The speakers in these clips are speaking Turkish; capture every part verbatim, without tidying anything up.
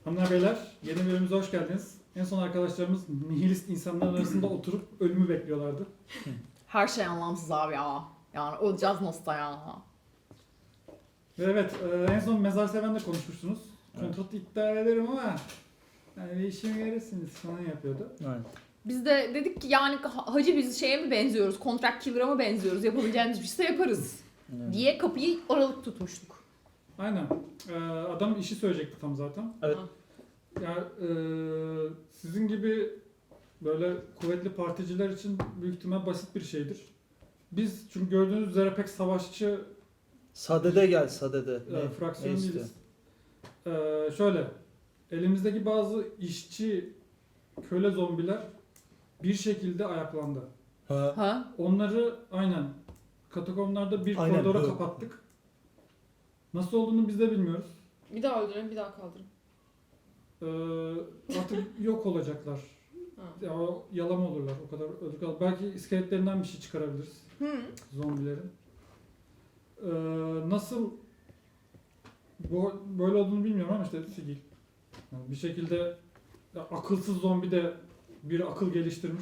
Hanımlar beyler, yeni bölümümüze hoş geldiniz. En son arkadaşlarımız nihilist insanların arasında oturup ölümü bekliyorlardı. Her şey anlamsız abi ya. Yani öleceğiz nasıl ya. Ve evet, e, en son Mezar Seven'le konuşmuştunuz. Kontrat iddia ederim ama yani bir işime yarasınız falan yapıyordu. Aynen. Biz de dedik ki yani ha- hacı biz şeye mi benziyoruz, contract killer'a mı benziyoruz, yapabileceğimiz bir şeyse yaparız Evet. diye kapıyı aralık tutmuştuk. Aynen. E, adam işi söyleyecekti tam zaten. Evet. Ya e, sizin gibi böyle kuvvetli particiler için büyük ihtimal basit bir şeydir. Biz çünkü gördüğünüz üzere pek savaşçı Sadede gel sadede. e, Ne, fraksiyon ne değiliz. E, şöyle, elimizdeki bazı işçi köle zombiler bir şekilde ayaklandı. Ha. Ha? Onları aynen katakomlarda bir Aynen, koridora evet. kapattık. Nasıl olduğunu biz de bilmiyoruz. Bir daha öldürün, bir daha kaldırın. Ee, artık yok olacaklar. Ha. Ya, o yalama olurlar. O kadar öldük. al- Belki iskeletlerinden bir şey çıkarabiliriz. Hı. Zombilerin. Ee, nasıl bu böyle olduğunu bilmiyorum ama işte sigil. Yani bir şekilde ya, akılsız zombi de bir akıl geliştirmiş.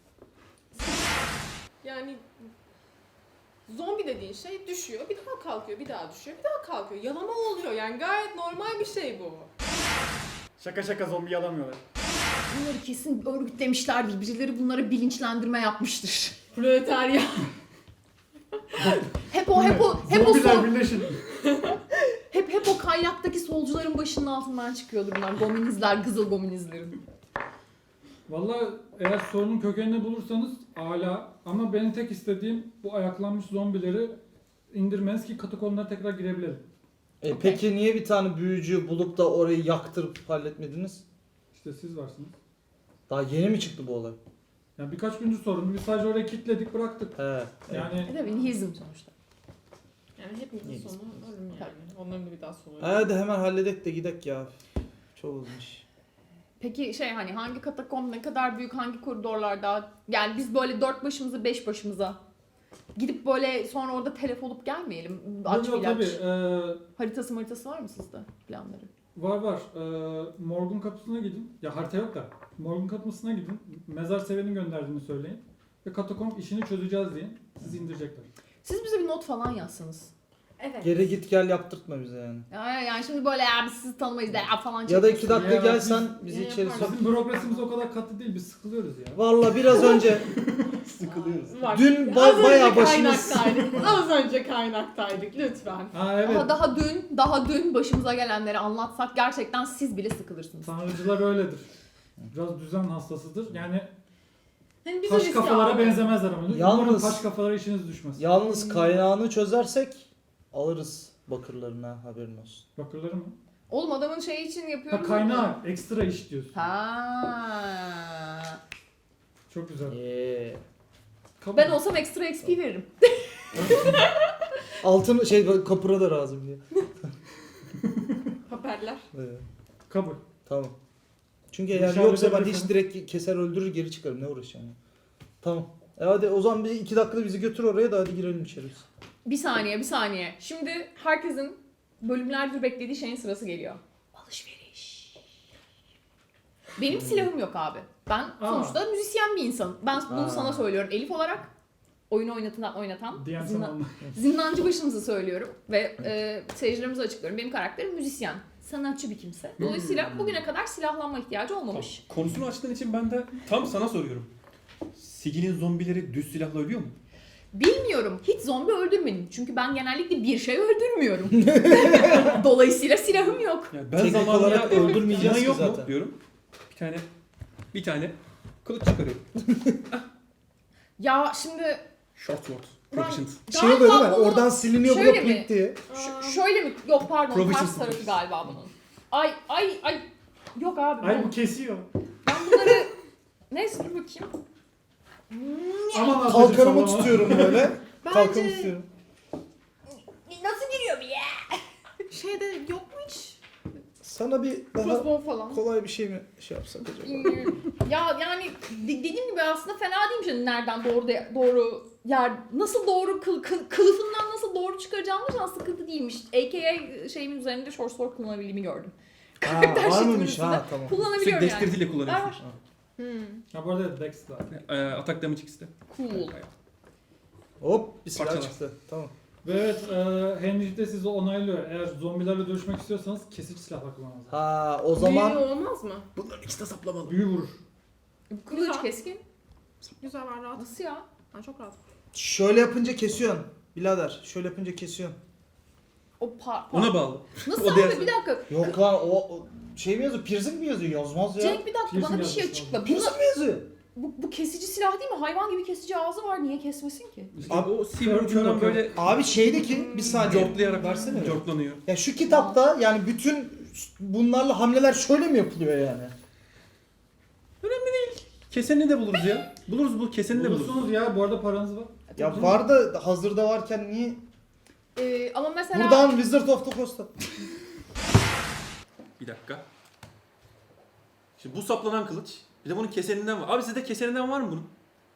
Yani zombi dediğin şey düşüyor, bir daha kalkıyor, bir daha düşüyor, bir daha kalkıyor. Yalama oluyor yani gayet normal bir şey bu. Şaka şaka zombi yalamıyorlar. Bunları kesin örgütlemişlerdir. Birileri bunlara bilinçlendirme yapmıştır. Proletarya. Hep o hep o hep o Zombiler sol, birleşin. hep hep o kaynaktaki solcuların başının altından çıkıyordu bunlar. Gominizler, kızıl gominizlerin. Vallahi eğer sorunun kökenini bulursanız âlâ, ama benim tek istediğim bu ayaklanmış zombileri indirmeniz ki katakomlara tekrar girebilelim. E, Okey. Peki niye bir tane büyücü bulup da orayı yaktırıp halletmediniz? İşte siz varsınız. Daha yeni mi çıktı bu olay? Yani birkaç gündür sorun. Biz sadece oraya kilitledik, bıraktık. He. Yani Yani E tabii nihilizm sonuçta. Yani hepimizin İyi. sonu ölüm yani. Onların da bir daha sonu ölüm. hadi hemen halledek de gidek ya. Çok olmuş. Peki şey hani hangi katakomb ne kadar büyük, hangi koridorlarda, yani biz böyle dört başımıza beş başımıza gidip böyle sonra orada telef olup gelmeyelim. Aç Yok, yok, ilaç. tabii. Ee, Haritası haritası var mı sizde planları? var var. Ee, morgun kapısına gidin. Ya harita yok da. Morgun kapısına gidin. Mezar sevenin gönderdiğini söyleyin. Ve katakomb işini çözeceğiz deyin. Sizi indirecekler. Siz bize bir not falan yazsanız. Evet. Geri git gel yaptırtma bize yani. Ya, yani şimdi böyle ya biz sizi tanımayız da ya falan Ya da iki çekmesin. dakika Ya, gelsen biz- bizi Ya içeri yaparız. sok. Bizim bürokrasimiz o kadar katı değil. Biz sıkılıyoruz ya. Valla biraz önce sıkılıyoruz. Bak, Dün az ba- önce bayağı başımız... kaynaktaydık. Az önce kaynaktaydık lütfen. Ha evet. Daha, daha dün, daha dün başımıza gelenleri anlatsak gerçekten siz bile sıkılırsınız. Tanrıcılar öyledir. Biraz düzen hastasıdır. Yani Hani biz taş riske kafalara aldık. benzemezler ama. Yalnız- Umarım taş kafalara işiniz düşmez. Yalnız kaynağını çözersek alırız bakırlarına, haberin olsun. Bakırları mı? Oğlum adamın şeyi için Ha yapıyoruz. kaynağı, ekstra iş diyorsun. Ha. Çok güzel. Eee. Kabul. Ben olsam ekstra X P veririm. Altın şey kapıra da razı diye. Haberler. Evet. Kabul. Tamam. Çünkü Bu eğer işi yoksa ben halledebilirseniz- hiç direkt keser öldürür geri çıkarım. Ne uğraşacağım ya. Tamam. E hadi o zaman bir iki dakikada bizi götür oraya da hadi girelim içeri. biz. Bir saniye, bir saniye. Şimdi herkesin bölümlerdir beklediği şeyin sırası geliyor. Alışveriş. Benim silahım yok abi. Ben sonuçta müzisyen bir insanım. Ben bunu Aa. sana söylüyorum Elif olarak. Oyunu oynatan, oynatan Diyen zindan- sana zindancı başımızı söylüyorum. Ve e, seyircilerimize açıklıyorum. Benim karakterim müzisyen. Sanatçı bir kimse. Dolayısıyla bugüne kadar silahlanma ihtiyacı olmamış. Konusunu açtığın için ben de tam sana soruyorum. Sigil'in zombileri düz silahla ölüyor mu? Bilmiyorum. Hiç zombi öldürmedim. Çünkü ben genellikle bir şey öldürmüyorum. Dolayısıyla silahım yok. Yani ben Teknik zamanında olarak öldürmeyeceğiz "Sinan ki yok zaten." mu diyorum. Bir tane bir tane kılıç çıkarıyorum. Ya şimdi Short sword. Ben- Proficient. Şey oluyor değil mi? bunu- Oradan siliniyor bu da şöyle mi? plit diye. Ş- şöyle mi? Yok pardon Provision ters tarafı sıfır. galiba bunun. Ay ay ay. Yok abi. Ay ben, bu kesiyor. ben bunları... Neyse dur bakayım. Aman ablacım Kalkanımı sallama. tutuyorum böyle. Kalkanı Bence tutuyorum. nasıl giriyor bir ya? Şeyde yok mu hiç? Sana bir daha Crossbow falan. kolay bir şey mi şey yapsak acaba? Bilmiyorum. Ya yani de- dediğim gibi aslında fena değilmiş yani nereden doğru de- doğru yer nasıl doğru kıl, kıl- kılıfından nasıl doğru çıkaracağımız aslında sıkıntı değilmiş. A K A şeyimin üzerinde short sword kullanabildiğimi gördüm. Ha, Karakter var sheet'imin mıymış? üstünde. Ha tamam. Sürekli Kullanabiliyorum yani. dexterity'yle Var kullanıyorsun. var. Hmm. Ha bu arada Dex var. Ee, atak damage ikisi de. Cool. Hop bir silah Parçalar. çıktı. Tamam. Ve evet, e, Henry de sizi onaylıyor. Eğer zombilerle dövüşmek istiyorsanız kesici silahla kullanmanız lazım. Ha o Büyüğü zaman olmaz mı? Bunların ikisi de saplamalı. Büyü vurur. Kılıç Güzel. keskin. Güzel, ben rahat. Nasıl ya? Ben çok rahat. şöyle yapınca kesiyorsun. Birader şöyle yapınca kesiyorsun. O par... Ona bağlı. Nasıl o abi? derse- Bir dakika. Yok lan o, o şey mi yazıyor? Piercing mi yazıyor? Yazmaz ya. Cenk bir dakika Piercing bana bir şey yazmış açıkla. abi. Bu, Piercing mi yazıyor? bu, bu kesici silah değil mi? Hayvan gibi kesici ağzı var. Niye kesmesin ki? İşte Abi, o kör- silver ucundan kör- böyle Abi şeydeki bir saniye. cortlayarak Versene. cortlanıyor. Ya şu kitapta yani bütün bunlarla hamleler şöyle mi yapılıyor yani? Kesenini de buluruz ya. Buluruz bu kesenini de buluruz. Bulursunuz ya, bu arada paranız var. Ya var da hazırda varken niye? Ee, ama mesela... Buradan Wizard of the Coast'a. Bir dakika. Şimdi bu saplanan kılıç. Bir de bunun keseninden var. Abi sizde keseninden var mı bunun?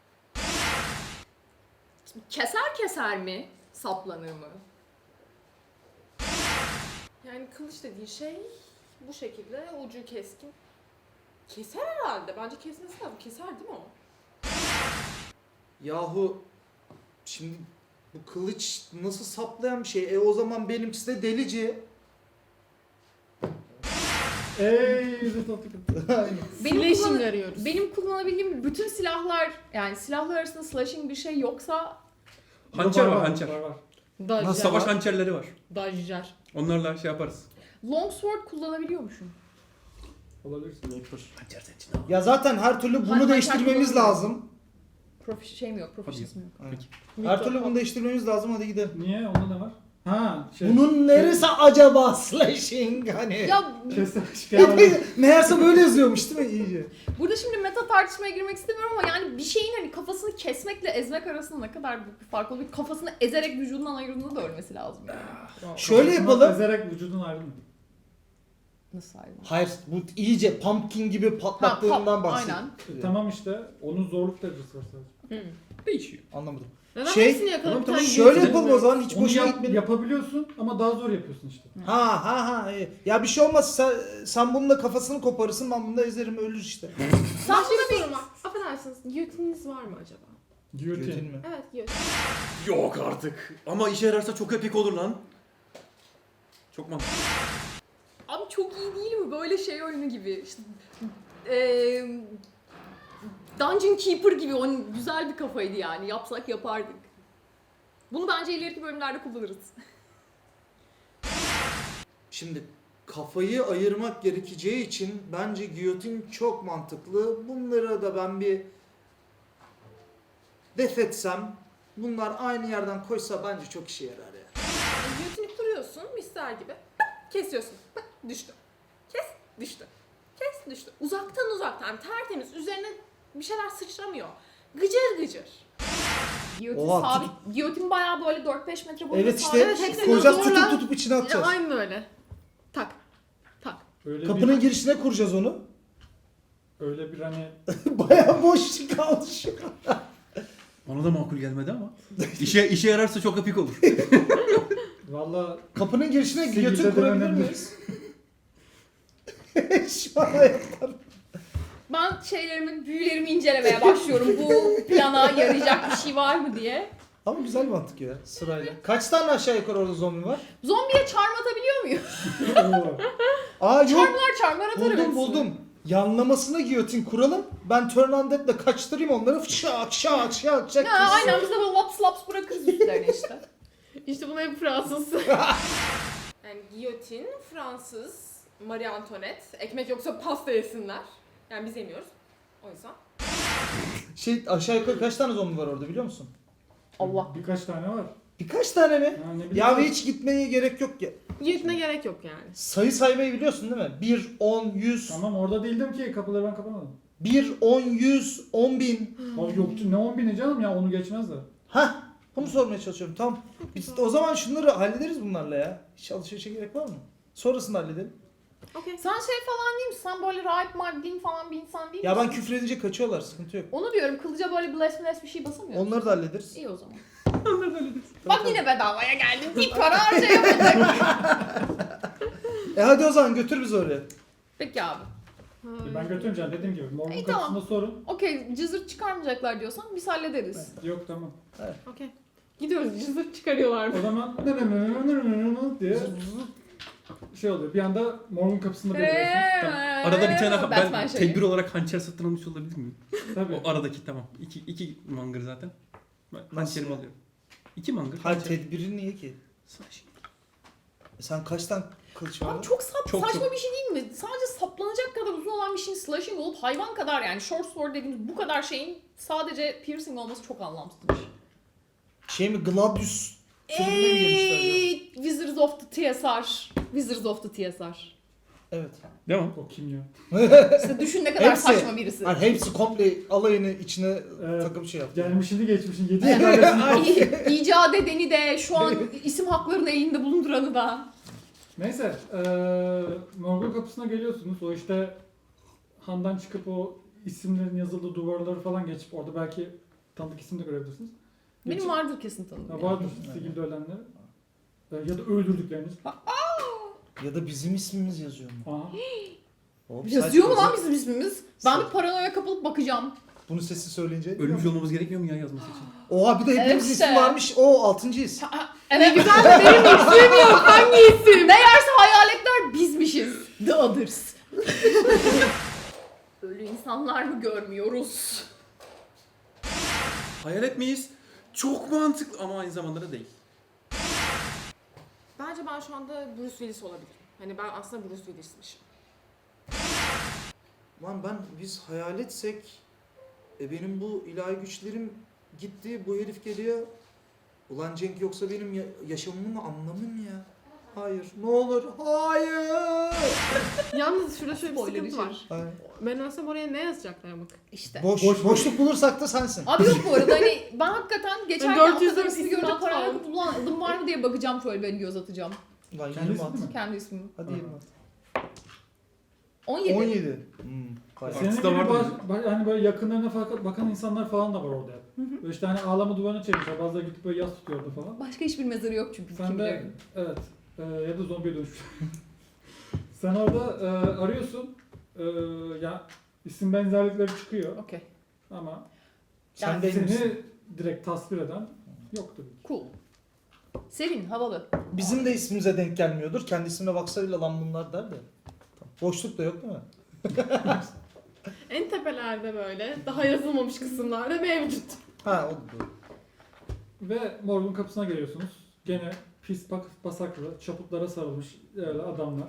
Keser keser mi? Saplanır mı? Yani kılıç dediğin şey bu şekilde ucu keskin. Keser herhalde. Bence kesmesi lazım. Keser değil mi o? Yahu şimdi bu kılıç nasıl saplayan bir şey? E o zaman benimkisi de delici. Ey yüzü tatlı. Benim, Slashing kullan- arıyoruz. benim kullanabildiğim bütün silahlar, yani silahlar arasında slashing bir şey yoksa Hançer var hançer. Var var. Dajjar. Nasıl? Savaş hançerleri var. Dajjar. Onlarla şey yaparız. longsword kullanabiliyormuşum. Olabilirsin. Hançer senin için al. Ya zaten her türlü bunu Hançer değiştirmemiz kullanamıyorum. lazım. Profi şey mi yok, profesyonel mi yok? Aynen. Peki. Her türlü bunu değiştirmemiz lazım, hadi gidelim. Niye? Onda ne var? Ha şey. Bunun neresi acaba slashing hani? Ya Kesin şey Meğerse böyle yazıyormuş değil mi iyice? burada şimdi meta tartışmaya girmek istemiyorum ama yani bir şeyin hani kafasını kesmekle ezmek arasında ne kadar büyük bir fark olabilir? Kafasını ezerek vücudundan ayırdığında da ölmesi lazım yani. Şöyle yapalım. Ezerek vücudun ayrılır. Nasıl ayrılır? Hayır bu iyice pumpkin gibi patlattığından Ha, pa- bahsediyor. aynen. E, tamam işte, onun zorluk derecesi var sadece. Hı. Değişiyor. Anlamadım. Neden Şey- hepsini yakalayıp Tamam, bir tane Şöyle yüzüne yapalım o vuruyoruz? zaman hiç Onu boşuna yap- gitmeyelim. yapabiliyorsun ama daha zor yapıyorsun işte. Ha ha ha. iyi. Ya bir şey olmaz sen, sen bununla kafasını koparırsın ben bunu da ezerim ölür işte. Sen Ben buna bir bir... sorum var. Affedersiniz. Giyotininiz var mı acaba? Götün Giyotin. mü? Evet, giyotin. Yok artık. Ama işe yararsa çok epik olur lan. Çok mantıklı. Abi çok iyi değil mi? Böyle şey oyunu gibi. İşte, eee Dungeon Keeper gibi onun güzel bir kafaydı yani. Yapsak yapardık. Bunu bence ileriki bölümlerde kullanırız. Şimdi kafayı ayırmak gerekeceği için bence giyotin çok mantıklı. Bunları da ben bir def etsem bunlar aynı yerden koysa bence çok işe yarar ya. Yani giyotinip duruyorsun, mister gibi. Kesiyorsun. Düştü. Kes, düştü. Kes, düştü. Uzaktan uzaktan, yani tertemiz. Üzerine bir şeyler sıçramıyor. Gıcır gıcır. Giyotin Oha, sabit. Giyotin bayağı böyle dört beş metre boyunca Evet sabit. işte Evet, hepsini koyacağız zorla- tutup tutup içine Ya, atacağız. aynen öyle. Tak. Tak. Öyle Kapının bir, girişine kuracağız onu. öyle bir hani Bayağı boş kaldı şu an. Ona da makul gelmedi ama. İşe işe yararsa çok epik olur. valla Kapının girişine Sigilde giyotin kurabilir denenebilir. miyiz? Şu an ayaklar. Ben şeylerimi, büyülerimi incelemeye başlıyorum. Bu plana yarayacak bir şey var mı diye. Ama güzel mantık ya sırayla. Kaç tane aşağı yukarı orada zombi var? Zombiye charm atabiliyor muyum? Oo. Aa yok. Charmlar charmlar atarım Buldum hepsini. buldum. Yanlamasına giyotin kuralım. Ben turn undead'le kaçtırayım onları. Şak şak şak şak. Ha, aynen biz de böyle laps laps bırakırız üstlerine işte. İşte bunu hep Fransız. Yani giyotin, Fransız, Marie Antoinette. Ekmek yoksa pasta yesinler. Yani biz yemiyoruz. O yüzden. Şey aşağı yukarı kaç tane zombi var orada biliyor musun? Allah. Birkaç tane var. Birkaç tane mi? Ha, ne bileyim. Ya hiç gitmeye gerek yok ya. Giyotine gerek yok yani. Sayı saymayı biliyorsun değil mi? bir, on, yüz. Tamam, orada değildim ki, kapıları ben kapamadım. bir, on, yüz, on bin. Abi yoktu, ne on bini canım ya, onu geçmezler. Hah. Bunu sormaya çalışıyorum. Tamam. Biz o zaman şunları hallederiz bunlarla ya. Hiç alışverişe gerek var mı? Sonrasında halledelim. Okey. Sen şey falan değil misin? Sen böyle rahip maddin falan bir insan değil Ya misin? ben küfür edince kaçıyorlar. Sıkıntı yok. Onu diyorum, kılıca böyle bless bless bir şey basamıyor musun? Onları da hallederiz. İyi o zaman. Tabii, Bak tabii. yine bedavaya geldin. Bir para harcayamadık. E hadi o zaman götür bizi oraya. Peki abi. E, Ben götürmeyeceğim dediğim gibi. Morgun İyi, kapısında tamam. sorun. Okey, cızırt çıkarmayacaklar diyorsan biz hallederiz. Yok tamam. Okey. Gidiyoruz, cızırt çıkarıyorlar mı? O zaman ne ne ne ne ne ne diye şey oluyor. Bir anda morgun kapısında bekliyorsunuz. Tamam. Arada bir tane Batman ben şeyi. tedbir olarak hançer satın almış olabilir miyim? Tabii. O aradaki tamam. İki, iki mangır zaten. Ben Nasıl? hançerimi alıyorum. İki mangır. Hayır hançer. tedbiri niye ki? E sen kaç tane kılıç var? Abi çok, sap, Çok, saçma çok. bir şey değil mi? Sadece saplanacak kadar uzun olan bir şeyin slashing olup hayvan kadar yani short sword dediğimiz bu kadar şeyin sadece piercing olması çok anlamsızmış. Şey mi Gladius türüne mi girmişler? acaba? Eee Wizards of the T S R. Wizards of the T S R. Evet. Devam. O kim ya? İşte düşün ne kadar Hepsi. saçma birisi. Yani hepsi komple alayını içine Evet. takıp şey yaptı. Gelmişini geçmişini yedi sülalesini. İ- İcat edeni de şu an isim haklarını elinde bulunduranı da. Neyse. eee morgun kapısına geliyorsunuz. O işte handan çıkıp o isimlerin yazıldığı duvarları falan geçip orada belki tanıdık isim de görebilirsiniz. Benim Geçip- vardır kesin tanıdığım. Ha, yani. vardır sigilde ölenleri. Ee, ya da öldürdükleriniz. Ya da bizim ismimiz yazıyor mu? Aha. Hop, Yazıyor mu saçma. lan bizim ismimiz? Ben bir paranoya kapılıp bakacağım. Bunu sesi söyleyince. Ölmüş olmamız gerekmiyor mu ya yazması için? Oha bir de hepimiz Evet işte. ismi varmış. O altıncıyız. Evet güzel de benim ismim yok. Hangi isim? Meğerse hayaletler bizmişiz. The Others. Ölü insanlar mı görmüyoruz? Hayalet miyiz? Çok mantıklı ama aynı zamanda da değil. Bence ben şu anda Bruce Willis olabilirim. Hani ben aslında Bruce Willis'mişim. Lan ben biz hayaletsek e benim bu ilahi güçlerim gitti. Bu herif geliyor. Ulan Cenk yoksa benim ya- yaşamımın anlamı mı ya? Hayır. Ne olur. Hayır. Yalnız şurada şöyle bir Spoiler sıkıntı için. var. Hayır. Ben ölsem oraya ne yazacaklar bak. İşte. Boş, Boş- boşluk bulursak da sensin. Abi yok bu arada hani ben hakikaten geçerken dört yüz atladığım dört ismi isim görünce at paranoya falan. kapılıp ulan adım var mı diye bakacağım şöyle ben göz atacağım. Lan Kendisi yirmi at. değil mi? Kendi ismimi. Hadi Aha. yirmi at. on yedi. on yedi. Hmm. bayağı. Senin Artısı gibi da vardı baz, mı? ba- hani böyle yakınlarına fakat bakan insanlar falan da var orada. Böyle işte hani ağlama duvarına çekmişler. Bazıları gidip böyle yas tutuyordu falan. Başka hiçbir mezarı yok çünkü. Sen kim de bilir. evet e, ya da zombiye dönüşmüş. Sen orada e, arıyorsun. E, ya isim benzerlikleri çıkıyor Okey. ama Sen Yani değil seni misin? direkt tasvir eden yok tabii. Cool. Sevin, havalı. Bizim de ismimize denk gelmiyordur. Kendi ismine baksa bile lan bunlar der de. Tamam. Boşluk da yok değil mi? En tepelerde böyle daha yazılmamış kısımlarda mevcut. Ha o da doğru. Ve morgun kapısına geliyorsunuz. Gene pis bak basaklı, çaputlara sarılmış öyle adamlar.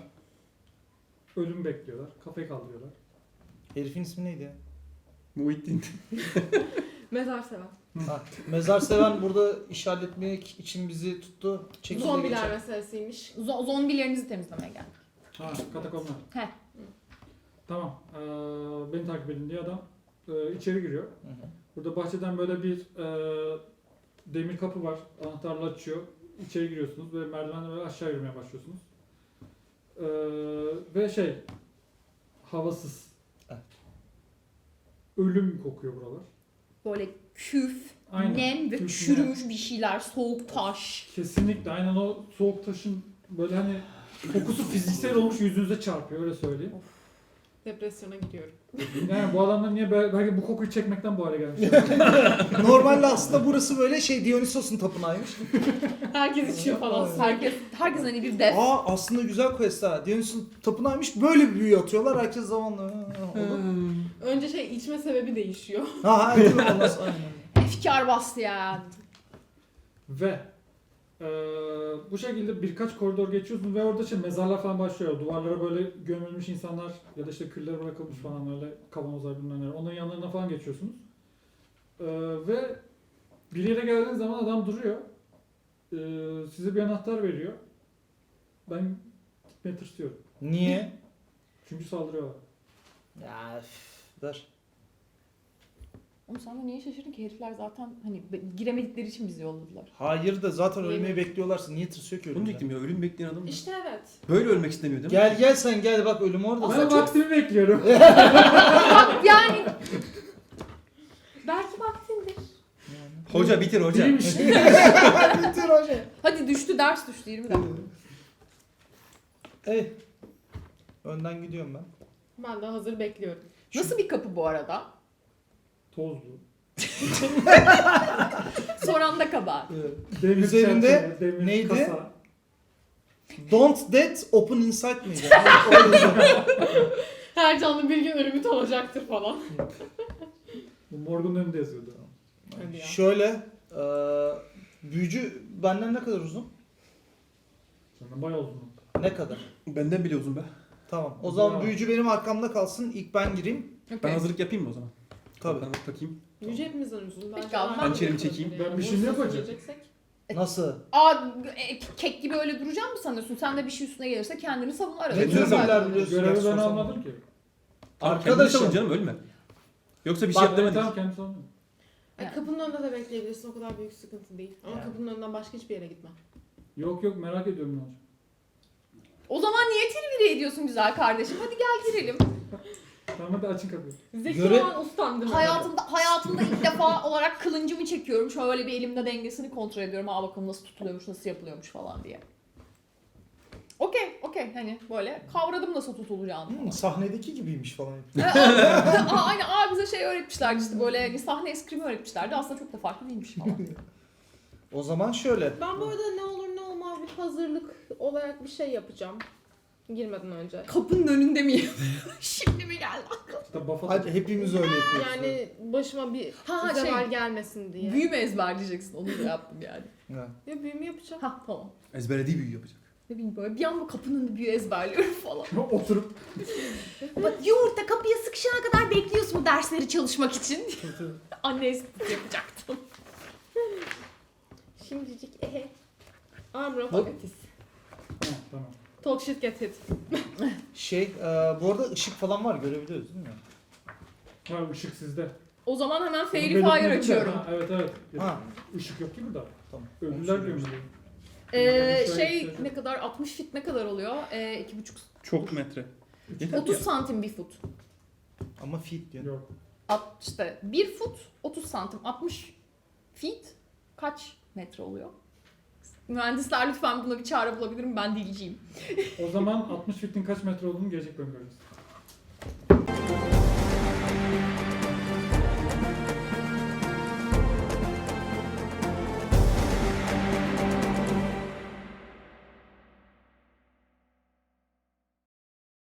Ölüm bekliyorlar. Kafayı kaldırıyorlar. Herifin ismi neydi ya? Muhittin. Mezar seven. Ha, mezar seven burada işaretlemek için bizi tuttu. Çekildi Zombiler geçer. meselesiymiş. Zo- zombilerinizi temizlemeye geldik. Ha, katakomlar. Heh. Tamam. Ee, beni takip edin diye adam e, içeri giriyor. Hı hı. Burada bahçeden böyle bir e, demir kapı var. Anahtarla açıyor. İçeri giriyorsunuz ve merdivenle böyle aşağı yürümeye başlıyorsunuz. Ee, ve şey havasız. Evet. Ölüm kokuyor buralar. Böyle küf, Aynen. nem ve Küf, çürümüş bir şeyler, soğuk taş. Kesinlikle aynen o soğuk taşın böyle hani kokusu fiziksel olmuş yüzünüze çarpıyor öyle söyleyeyim. Depresyona giriyorum. Yani bu adamlar niye be- belki bu kokuyu çekmekten bu hale gelmiş. Normalde aslında burası böyle şey Dionysos'un tapınağıymış. Herkes içiyor falan. Herkes, herkes hani bir def. Aa aslında güzel quest ha. Dionysos'un tapınağıymış. Böyle bir büyü atıyorlar. Herkes zamanla ha, ha, olur. Önce şey içme sebebi değişiyor. Ha ha değil mi? Ondan sonra- aynen. Efkar bastı ya. Ve eee, bu şekilde birkaç koridor geçiyorsunuz ve orada işte mezarlar falan başlıyor. Duvarlara böyle gömülmüş insanlar ya da işte küller bırakılmış falan öyle kavanozlar bilmem neler. Onların yanlarına falan geçiyorsunuz. Eee, ve bir yere geldiğiniz zaman adam duruyor. Eee, size bir anahtar veriyor. Ben gitmeye tırsıyorum. Niye? Çünkü saldırıyorlar. Ya üf, ver. Oğlum sen de niye şaşırdın ki? Herifler zaten hani be- giremedikleri için bizi yolladılar. Hayır da zaten ölmeyi Yemin. bekliyorlarsa niye tırsıyor ki Bunu ölümden? diyecektim ya ölüm bekleyen adam. İşte evet. Böyle ölmek istemiyor değil mi? Gel gel sen gel bak ölüm orada. Ben zaten. vaktimi bekliyorum. Yani Belki vaktindir. Hoca bitir hoca. Değilmiş. Bitir hoca. hadi düştü ders düştü yirmi dakika. Ey Önden gidiyorum ben. Ben de hazır bekliyorum. Nasıl bir kapı bu arada? Tozlu. Soran da kabahat. Evet. Demir Üzerinde çerçeve, demir neydi? kasa. Don't death open inside miydi? O yazıyor. Her canlı bir gün ölümü olacaktır falan. Bu morgun önünde yazıyordu. Hadi ya. Şöyle eee büyücü benden ne kadar uzun? Senden bayağı uzun. Ne kadar? Benden bile uzun be. Tamam. O zaman Bravo. büyücü benim arkamda kalsın. İlk ben gireyim. Ben Okay. hazırlık yapayım mı o zaman? Tabii. Ben takayım. Yüce hepimizden uzun. Peki Bence abi, aynı hançerimi yapalım çekeyim. yani. Ben bir şey mi Boşuna yapacağım? söyleyeceksek. Nasıl? Aa, e, kek gibi öyle duracağım mı sanıyorsun? Sen de bir şey üstüne gelirse kendini savun arada. Ne tür roller biliyorsun? Görevi Gerçi ben sorsam almadım ki. Arkadaşım. Arkadaşım. Canım ölme. Yoksa bir Bak, şey yap demedik. Tamam kendisi almıyor. Ay, Yani. kapının önünde de bekleyebilirsin. O kadar büyük sıkıntı değil. Ama Yani. kapının önünden başka hiçbir yere gitme. Yok yok merak ediyorum ne olacak. O zaman niye tilviri ediyorsun güzel kardeşim? Hadi gel girelim. Tamam hadi açın kapıyı. Zeki Göre- olan ustam değil mi? Hayatımda hayatımda ilk defa olarak kılıncımı çekiyorum. Şöyle bir elimde dengesini kontrol ediyorum. Aa bakalım nasıl tutuluyormuş, nasıl yapılıyormuş falan diye. Okey, okey. Hani böyle kavradım nasıl tutulacağını. Hmm, sahnedeki gibiymiş falan. Aa, aynen aa bize şey öğretmişlerdi işte böyle hani sahne eskrimi öğretmişlerdi. Aslında çok da farklı değilmiş falan. O zaman şöyle. Ben bu arada ne olur ne olmaz bir hazırlık olarak bir şey yapacağım. Girmeden önce. Kapının önünde miyim? Şimdi mi geldi? İşte buff Hadi hepimiz öyle yapıyoruz. Yani başıma bir Ha, zeval şey, gelmesin diye. Büyü mü ezberleyeceksin? Onu da yaptım yani. Evet. Ya büyümü yapacağım. Ha tamam. Ezberlediği büyü yapacak. Ne bileyim böyle bir anda kapının önünde büyü ezberliyorum falan. Oturup Bak yumurta kapıya sıkışana kadar bekliyorsun bu dersleri çalışmak için. Anne esprisi yapacaktım. Şimdicik ehe. Armor of Hop. Agatis. Ha, tamam. Talk shit get hit. Şey, e, bu arada ışık falan var görebiliyoruz değil mi? Ha ışık sizde. O zaman hemen Onu Fairy belirtmedim Fire de. açıyorum. Ha, evet evet. Ha. Işık yok ki burada. Tamam. Ölüler Onu gömülüyor. Ee, Şöyle şey bir şey- ne kadar altmış fit ne kadar oluyor? Ee, iki buçuk Çok metre. Yeter otuz ya. santim bir fut. Ama feet diyor. Yok. At, işte bir fut otuz santim. altmış feet kaç metre oluyor? Mühendisler lütfen buna bir çare bulabilir mi? Ben dilciyim. O zaman altmış fitin kaç metre olduğunu gelecek bölüm göreceğiz.